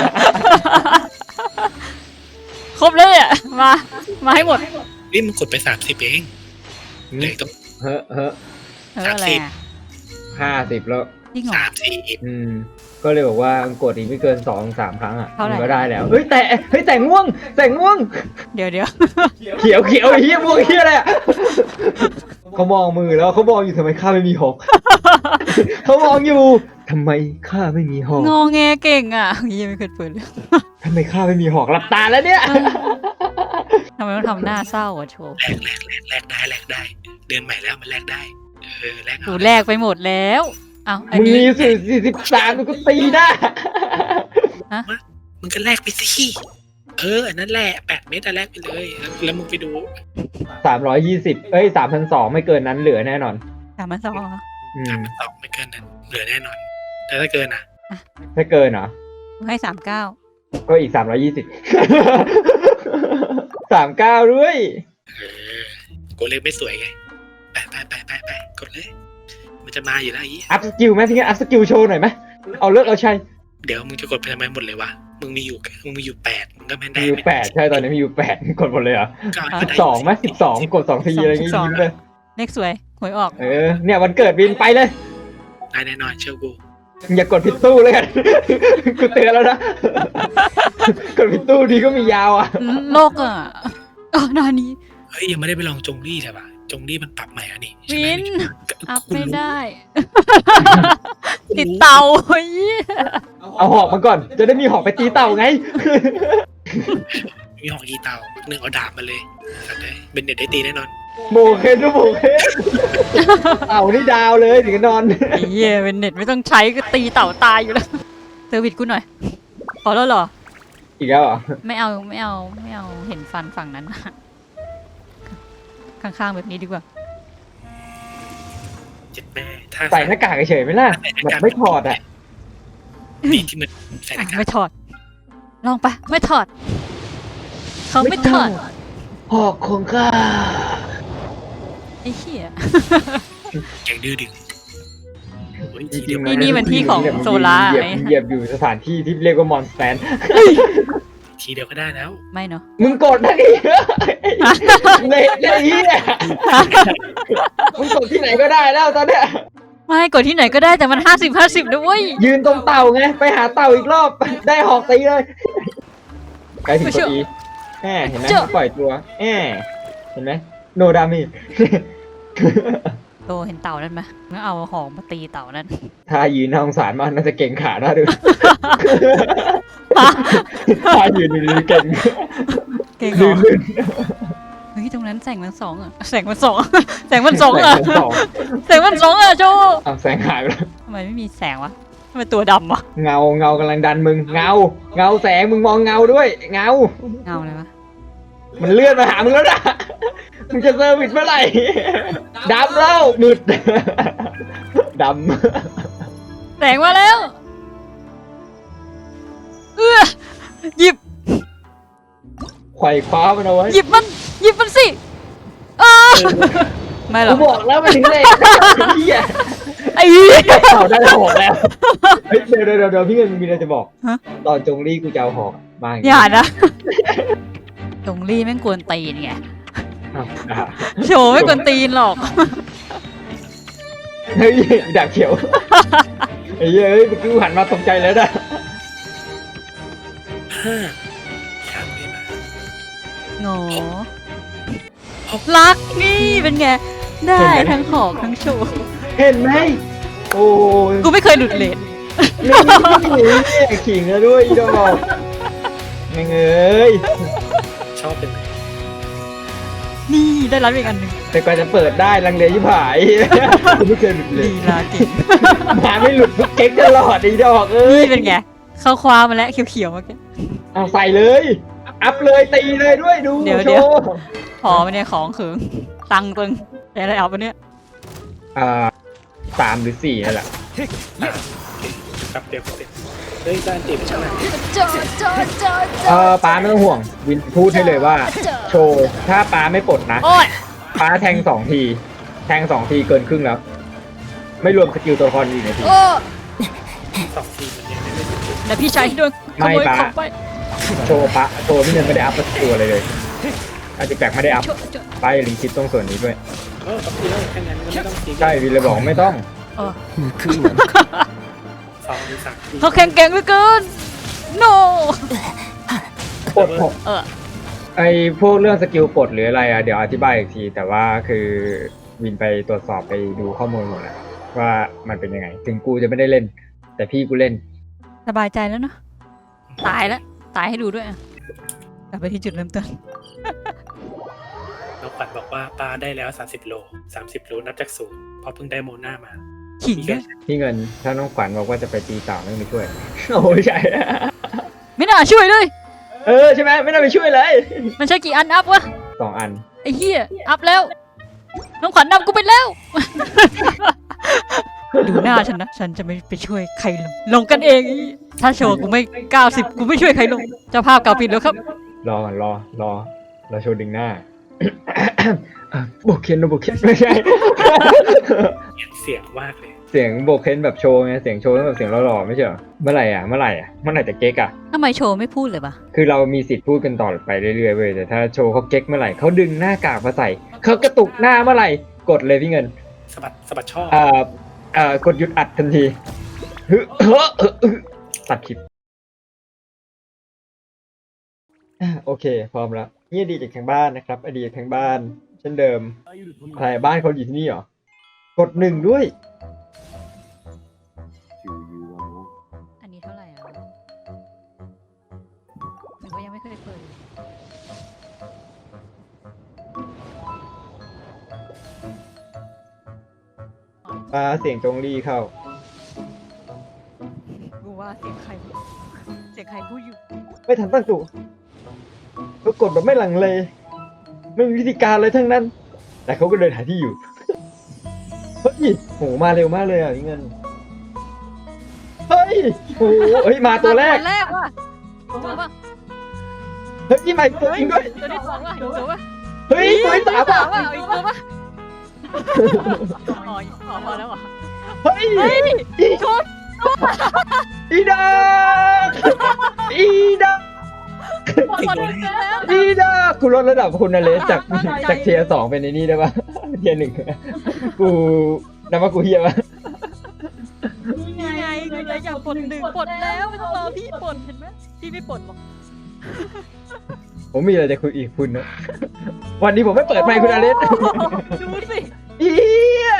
[SPEAKER 2] ครบเลยอ่ะมามาให้หมด
[SPEAKER 3] นี่มันกดไปสามสิบเองเหลยต้อง
[SPEAKER 1] เฮ้อเฮ้อ
[SPEAKER 2] เอออะไรอ่ะ
[SPEAKER 1] ห้าสิบแล้ว
[SPEAKER 2] จริงเหรอ
[SPEAKER 3] สามสี่
[SPEAKER 1] อืม ก็เลยบอกว่ากดอีกไม่เกินสองสามครั้งอ่ะ
[SPEAKER 2] เท่าไหร่
[SPEAKER 1] มันก็ได้แล้ว เฮ้ยแต่เฮ้ยแต่ง่วง แต่ง่วง
[SPEAKER 2] เดี๋ยวเดี๋ยว
[SPEAKER 1] เขียวเขียวไอ้เฮียม่วงเฮียอะไรอ่ะเขามองมือแล้วเขามองอยู่ทำไมข้าไม่มีหอก เขามองอยู่ทำไมข้าไม่มีหอก
[SPEAKER 2] งอแงเก่งอ่ะเหี้ยังไม่เคยเปิดเลย
[SPEAKER 1] ทำไมข้าไม่มีหอกหลับตาแล้วเนี่ย
[SPEAKER 2] ทำไมต้องทำหน้าเศร้าอ่ะโชว์
[SPEAKER 3] แลกแลกแลกแลกได้แลกได้ เดือนใหม่แล้วมันแลกได้ เออแลก
[SPEAKER 2] กู
[SPEAKER 3] เอา
[SPEAKER 2] แลกไปหมดแล้วเอาอัน
[SPEAKER 1] มึง
[SPEAKER 2] นี้
[SPEAKER 1] มีสี่สี่สิบสามมึงก็ตีหน้า
[SPEAKER 3] มึงก็แลกไปสิเอออันนั้นแหละแปดเม็ดอะแลกไปเลยแล้วแล้วมึงไปดู
[SPEAKER 1] สามร้อยยี่สิบเอ้ยสามพันสองไม่เกินนั้นเหลือแน่นอน
[SPEAKER 2] สามพันสองเหรอ
[SPEAKER 1] อื
[SPEAKER 3] สาม มพันสองไม่เกินนั้นเหลือแน่นอน แต่ถ้าเกินอ่ะ
[SPEAKER 1] ถ้าเกินเหรอ
[SPEAKER 2] กูให้สามเก้า
[SPEAKER 1] ก็อีกสามร้อยยี่สิบ สามเก้าด้วย
[SPEAKER 3] เออกูเล็กไม่สวยไงไปไปไปไปไปกดเลย มันจะมาอยู่แล้วไอ้ยี่
[SPEAKER 1] อัพสกิลไหมพี่งั้นอัพสกิลโชว์หน่อยไหมเอาเลิกเอาใช่
[SPEAKER 3] เดี๋ยวมึงจะกดไปทำไมหมดเลยวะมึงมีอยู่มึงมีอยู่แปดมึงก็ไม่ได้
[SPEAKER 1] มีอยู่แปดใช่ตอนนี้มีอยู่แปดกดหมดเลยเหรอ
[SPEAKER 3] ก็
[SPEAKER 1] สิบสองไหมสิบสองกดสองทีอะไรอย่างงี้ยิ้มเลย
[SPEAKER 2] เลขสวยหวยออก
[SPEAKER 1] เออเนี่ยวันเกิดวินไปเลย
[SPEAKER 3] ได้แน่นอนเชื่อกู
[SPEAKER 1] อย่ากดผิดตู้เลยกัน กูเตือนแล้วนะ กดผิดตู้ดีก็มียาวอ่ะ
[SPEAKER 2] โลกอ่ะอ๋อนานี้
[SPEAKER 3] เฮ้ยยังไม่ได้ไปลองจงลี่ใช่ปะจงลี่มันปรับใหม่อ่ะนี่ใช่ไหม
[SPEAKER 2] วิน อัพ
[SPEAKER 3] คุณ
[SPEAKER 2] ไม่
[SPEAKER 3] รู้
[SPEAKER 2] ได้ ติดเตาเฮ้ย
[SPEAKER 1] เอาหอกมาก่อน จะได้มีหอกไปตีเต่าไง
[SPEAKER 3] มีหอกยีเตาหนึ่งเอาดาบมาเลยสัตว์เลยเป็นเด็ดได้ตีแน่นอน
[SPEAKER 1] โบเคนดูโบเคนเต่านี่ดาวเลยถึงจะนอน
[SPEAKER 2] ไอ้เหี้ยเป็นเน็ตไม่ต้องใช้ก็ตีเต่าตายอยู่แล้วเซอร์วิสกูหน่อย ขอแล้วเหรอ
[SPEAKER 1] อีกแล้วเหรอ
[SPEAKER 2] ไม่เอาไม่เอาไม่เอาเห็นฟันฝั่งนั้น ข้างๆแบบนี้ดีกว่า
[SPEAKER 3] เจ็ดแม่ถ้า
[SPEAKER 1] ใส่หน้ากากเฉยๆไหมล่ะแบบไม่ถอดอ่ะ
[SPEAKER 3] นี่ที่มันใส่ห
[SPEAKER 2] อ่ะ
[SPEAKER 3] น้ากาก
[SPEAKER 2] ไม่ถอด ลองไปไม่ถอด เขาไม่ถอด
[SPEAKER 1] หอกของข้า
[SPEAKER 2] ไอ้เหี้ย
[SPEAKER 3] แกงดื้อดึงเฮ้ยทีเดียว
[SPEAKER 2] นี่นี่มันที่ของโซล่า
[SPEAKER 1] เหยียบ
[SPEAKER 2] ไอ้
[SPEAKER 1] เหยียบอยู่สถานที่ที่เรียกว่ามอนสแตน
[SPEAKER 3] ทีเดียวก็ได้แล้ว
[SPEAKER 2] ไม่เนาะ
[SPEAKER 1] มึงกดนะดิเละเละอีเนี่ยมึงกดที่ไหนก็ได้แล้วตอนเนี้ย
[SPEAKER 2] ไม่กดที่ไหนก็ได้แต่มันห้าสิบห้าสิบด้วย
[SPEAKER 1] ยืนตรงเต่าไง ไปหาเต่าอีกรอบ ได้หอกตีเลยใกล้ถึงกดอีแหมเห็นไหมปล่อยตัวแหมเห็นไหมโนดามิ
[SPEAKER 2] โตเห็นเต่านั่นไหมงั้นเอาหอกมาตีเต่านั่น
[SPEAKER 1] ถ้ายืนน่าสงสารมากน่าจะเก่งขาได้ด้วย ถ้ายืนดีๆเก่ง
[SPEAKER 2] เก่งเหร
[SPEAKER 1] ลื่
[SPEAKER 2] อน
[SPEAKER 1] ลื่น
[SPEAKER 2] เฮ้ยตรงนั้นแสงมันสองอะแสงมันสองแสงมันสองอะ
[SPEAKER 1] แสงสอง
[SPEAKER 2] แสงมันสองอะโจ
[SPEAKER 1] อ้าวแสงหายไปแล้ว
[SPEAKER 2] ทำไมไม่มีแสงวะทำไมตัวดำวะ
[SPEAKER 1] เงาเงากำลังดันมึงเงา เงาแสงมึงมองเงาด้วย เงา
[SPEAKER 2] เงาเลยวะ
[SPEAKER 1] มันเลื่อนมาหามึงแล้วนะมึงจะเซอร์วิสเมื่อไหร่ดำแล้วมืดด
[SPEAKER 2] แสงมาแล้วเออหยิบ
[SPEAKER 1] ำไขว่คว้ามันเอาไว้
[SPEAKER 2] หยิบมันหยิบมันสิเออไม่หร
[SPEAKER 1] กู
[SPEAKER 2] อก
[SPEAKER 1] บอกแล้วมันถึงเลยเฮีย
[SPEAKER 2] ไอ้เหี้ย
[SPEAKER 1] เอาได้หอกแล้วเฮ้ยเดี๋ยวเดี๋ยวเดี๋ยวพี่เงินมีอะไรจะบอก
[SPEAKER 2] ฮะ
[SPEAKER 1] ตอนจงรี่กูจะเอาหอกบ้าง
[SPEAKER 2] อย่านะตรงรี่แม่งกวนตีนไง
[SPEAKER 1] อ้าวอ่ะ
[SPEAKER 2] โชว์ไม่กวนตีนหรอก
[SPEAKER 1] เฮ้ยดาบเขียวไอ้เหี้ยเฮ้ยเมื่อกี้กูหันมาตกใจแล้วนะ
[SPEAKER 3] ห้าสามไม่มา
[SPEAKER 2] โง่รักนี่เป็นไง ได้ทั้งหอกทั้งโชว์
[SPEAKER 1] เห็นไหมโอ้ย
[SPEAKER 2] กูไม่เคยหลุดเลน
[SPEAKER 1] นี่ขิงแล้วด้วยอีดอกแม่งเอ้ย
[SPEAKER 3] ชอบเป็นไหม
[SPEAKER 2] นี่ได้รับอีกอันหนึ่ง
[SPEAKER 1] แต่กว่าจะเปิดได้ลังเลยิบหายกูไม่เคยหลุดเลย
[SPEAKER 2] ลีลาเก่ง
[SPEAKER 1] มาไม่หลุดทุกเก๊กตลอดอีดอกเอ้ย
[SPEAKER 2] นี่เป็นไง เข้าคว้ามาแล้วเขียวๆเมื่อกี้
[SPEAKER 1] เอาใส่เลย อัพเลยตีเลยด้วยดู
[SPEAKER 2] เดี๋ยว
[SPEAKER 1] โช
[SPEAKER 2] เดี๋ยว
[SPEAKER 1] ว์
[SPEAKER 2] พอมาเนี่ยของเขิงตังค์ตึงแต่อะไรเอาไปเนี่ย
[SPEAKER 1] อ่าสามหรือสี่นั่นแหละ
[SPEAKER 3] ครับเดี๋ยวเดี๋ยวเฮ้ยด้านตีไปช่างไหน
[SPEAKER 1] เออป้าไม่ต้องห่วง วินพูดให้เลยว่า โชว์ถ้าป้าไม่ปลดนะ
[SPEAKER 2] โอ้ย
[SPEAKER 1] ป้าแทงสองที แทงสองทีเกินครึ่งแล้ว ไม่รวมสกิลตัวละครอีกนาที
[SPEAKER 2] โอ้
[SPEAKER 3] สองทีมันยังไม่ได้สุด
[SPEAKER 2] แต่พี่ชายด้วยข
[SPEAKER 1] ไม่
[SPEAKER 2] โมย
[SPEAKER 1] ปะ
[SPEAKER 2] ของไป
[SPEAKER 1] โชว์ปะโชว์พี่เงินไม่ได้อัพสกิลอะไรเลยอาจจะแปลกไม่ได้อัพ
[SPEAKER 2] โชว์โชว์
[SPEAKER 1] ป้าอย่าลืมคิดตรงส่วนนี้ด้วย
[SPEAKER 3] เออสองทีแล้วแค่นั้นก็ไม่ต้องตี
[SPEAKER 1] ใช่วินเลยบอกไม่ต้อง
[SPEAKER 2] เออ
[SPEAKER 3] สองหรือสามที
[SPEAKER 2] เขาแข็งแกร่งเหลือเกิน no
[SPEAKER 1] ปลดหก
[SPEAKER 2] เออ
[SPEAKER 1] ไอพวกเรื่องสกิลปลดหรืออะไรอ่ะเดี๋ยวอธิบายอีกที แต่ว่าคือวินไปตรวจสอบไปดูข้อมูลหมดแล้วว่ามันเป็นยังไง ถึงกูจะไม่ได้เล่น แต่พี่กูเล่น
[SPEAKER 2] สบายใจแล้วเนาะตายแล้วตายให้ดูด้วยอะกลับไปที่จุดเริ่มต้น
[SPEAKER 3] น้องขวัญบอกว่าปลาได้แล้วสามสิบโลสามสิบโลนับจากศูนย์เพราะเพิ่งได้โมนามา
[SPEAKER 2] ขิงด้วย
[SPEAKER 1] พี่เงินถ้าน้องขวัญบอกว่าจะไปตีเต่าไม่ไปช่วย โอ้ยใช่
[SPEAKER 2] ไม่น่าช่วยเลย
[SPEAKER 1] เออใช่ไหมไม่น่าไปช่วยเลย
[SPEAKER 2] มันใช้กี่อันอัพวะ
[SPEAKER 1] สองอัน
[SPEAKER 2] ไอ้เหี้ยอัพแล้ว น้องขวัญนำกูไปแล้ว ดูหน้าฉันนะ ฉันจะไม่ไปช่วยใครลง ลงกันเองอีถ้าโชว์กูไม่เก้าสิบกูไม่ช่วยใครลง เจ้าภาพเก่าปิดแล้วครับ
[SPEAKER 1] รอก่อนรอรอรอโชว์ดึงหน้า โบกเคนโบกเคนไม่ใช่
[SPEAKER 3] เสียงมากเลย
[SPEAKER 1] เสียงโบกเคนแบบโชว์ไงเสียงโชว์แบบเสียงหล่อๆไม่ใช่เหรอเมื่อไหร่อ่ะเมื่อไหร่อ่ะเมื่อไหร่จะเก๊กอ่ะ
[SPEAKER 2] ทำไมโชว์ไม่พูดเลยปะ
[SPEAKER 1] คือเรามีสิทธิ์พูดกันต่อไปเรื่อยๆเว้ยแต่ถ้าโชว์เขาเก๊กเมื่อไหร่เขาดึงหน้ากากมาใส่เขากระตุกหน้าเมื่อไหร่กดเลยพี่เงิน
[SPEAKER 3] สะบัดสะบัดช่อ
[SPEAKER 1] เอ่อเอ่อกดหยุดอัดทันทีฮึเฮ้อเออเออตัดคลิปอ่ะโอเค พร้อมแล้วนี่อดีตจากทางบ้านนะครับ อดีตทางบ้าน เช่นเดิมอะไรบ้านเขาอยู่ที่นี่เหรอ กดหนึ่งด้วย
[SPEAKER 2] อันนี้เท่าไหร่อ่ะหรือว่ายังไม่เคยเปิดเลย
[SPEAKER 1] ปลาเสียงจงรีเข้า
[SPEAKER 2] กูว่าเสียงใครพูดเสียงใครพูดอยู่
[SPEAKER 1] ไม่ทันตั้งตัวก็กดแบบไม่หลังเล ไม่มีวิธีการเลยทั้งนั้น แต่เขาก็เดินหาที่อยู่ เฮ้ยโหมาเร็วมากเลยอ่ะพี่เงิน เฮ้ยโหเฮ้ย มาตัวแรก
[SPEAKER 2] ตัวแรกว่ะตัวป่ะ
[SPEAKER 1] เฮ้ยนี่ใหม่ตัวจริงด้วย
[SPEAKER 2] ตัวที่สองว่ะอีกตัวป่ะ
[SPEAKER 1] เฮ้ยตัวที่สามอ่ะ
[SPEAKER 2] ว่ะอีกตัวป่ะอ๋ออ๋อพอแล้วเหรอ
[SPEAKER 1] เฮ้ย
[SPEAKER 2] เฮ้ย
[SPEAKER 1] อี
[SPEAKER 2] ชุด
[SPEAKER 1] อีดาอีดา
[SPEAKER 2] หมดหมดแล้ว
[SPEAKER 1] อีดากูลดระดับคุณนะเลสจากจากเทียร์สองเป็นในนี้ได้ปะเทียร์หนึ่งกูนับว่ากูเฮียปะ
[SPEAKER 2] นี่ไงคือเลยอยากปลดหนึ่งปลดแล้วไม่ต้องรอพี่ปลดเห็นไหมพี่ไม่ปลดหรอก
[SPEAKER 1] ผมมีอะไรจะคุยอีกคุณนะวันนี้ผมไม่เปิดไมค์คุณอเลส
[SPEAKER 2] ดูสิ
[SPEAKER 1] เฮีย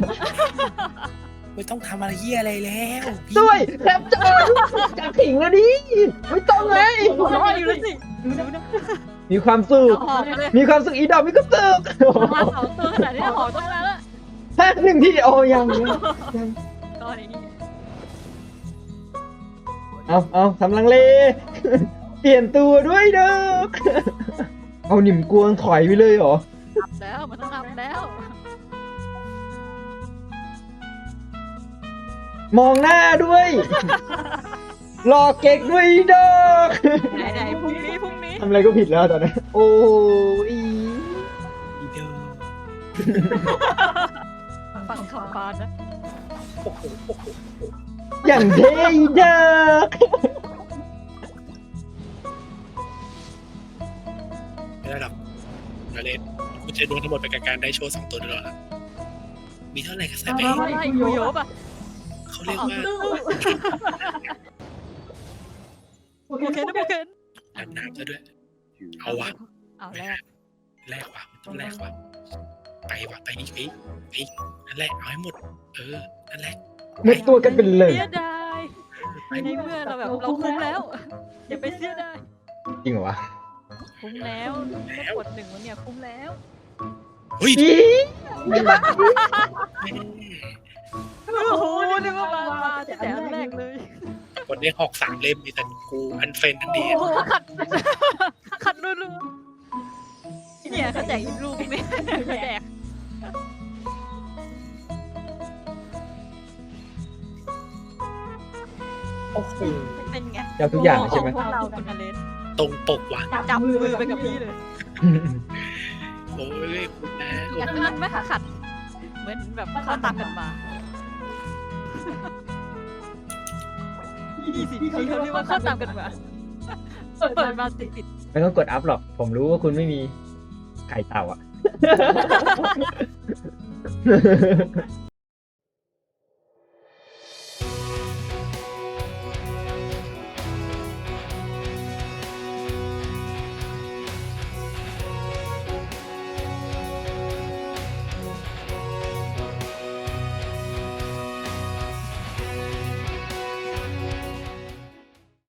[SPEAKER 3] ไม่ต้องทำอะไรเหี้ยอะไรแล้วพี่
[SPEAKER 1] ด้วยแคปเจอร์จากถิงแล้วดิไม่ต้องเลย
[SPEAKER 2] หัวเราะอยู่แล้วสิดูดูนะ
[SPEAKER 1] มีความสุข
[SPEAKER 2] เอาหอกมาเลย
[SPEAKER 1] มีความสุขอีดอกมีความสุข
[SPEAKER 2] มาสองตัวขนาดนี้หอกต้องมาแล้ว
[SPEAKER 1] ฮะหนึ่งที่โอ้ยังยัง
[SPEAKER 2] ตอนนี้
[SPEAKER 1] เอาเอาทำลังเล เปลี่ยนตัวด้วยเด้อเอาหนิมกวงถอยไปเลยเหรอ
[SPEAKER 2] อัพแล้วมันต้องอัพแล้ว
[SPEAKER 1] มองหน้าด้วย รอเก๊กด้วยเด้อ
[SPEAKER 2] ไหนไหนพรุ่งนี้พรุ่งนี้
[SPEAKER 1] ทำอะไรก็ผิดแล้วตอนนี้โอ้ย
[SPEAKER 3] อีเดอร์
[SPEAKER 2] ฝั่งขอบานนะ
[SPEAKER 3] โอ้โหโอ้โห
[SPEAKER 1] อย่างเท่เด้อ
[SPEAKER 3] ไม่ได้หรอกนาเลนคุณจะโดนทั้งหมดไปกับการได้โชว์สองตัวด้วยนะมีเท่าไหร่ก็ใส่ไป
[SPEAKER 2] อะไรอยู่โยบอ่ะ
[SPEAKER 3] เขาเรียกว่า
[SPEAKER 2] โอเคนะโอเค
[SPEAKER 3] อาบน้ำซะด้วย เอาวะ
[SPEAKER 2] เอาแรก
[SPEAKER 3] แลกว่ะมันต้องแลกว่ะไปว่ะไปนี่ไปไปนั่นแหละเอาให้หมด เออนั่นแหละ
[SPEAKER 1] หมดตัวกันเป็นเลย
[SPEAKER 2] เสียดาย
[SPEAKER 3] ไป
[SPEAKER 2] ในเมื่อเราแบบเราคุ้มแล้วอย่าไปเสียดาย
[SPEAKER 1] จริงเหรอวะ
[SPEAKER 2] คุ้มแล้วแค่กดหนึ่งวันเนี่ยคุ้มแล้ว
[SPEAKER 3] เฮ้ย
[SPEAKER 1] อี
[SPEAKER 2] โอ้โหนึกว่ามามาแต่อันแรกเลย
[SPEAKER 3] วันนี้หอกสามเล่มมีแต่กูอันเฟนทันดี
[SPEAKER 2] โอ้โหขัดขัดรัวๆเนี่ยเขาแจกอีกลูกนี่แจก
[SPEAKER 3] โอ้โห
[SPEAKER 2] เป็นไง
[SPEAKER 1] เจ้าทุกอย่างเลยใช่ไหม
[SPEAKER 2] พวกเราคุณอเลน
[SPEAKER 3] ตรงปกว่ะ
[SPEAKER 2] จับมือไปกับพี่เลย
[SPEAKER 3] โอ้ยคุณแม่
[SPEAKER 2] อยากนั่นไหมขัด เหมือนแบบเข้าตามกันมายี่สิบทีเขาเรียกว่าเข้าตามกันมาเปิดมาติดติด
[SPEAKER 1] ไม่ต้องกดอัพหรอก ผมรู้ว่าคุณไม่มีไข่เต่าอ่ะ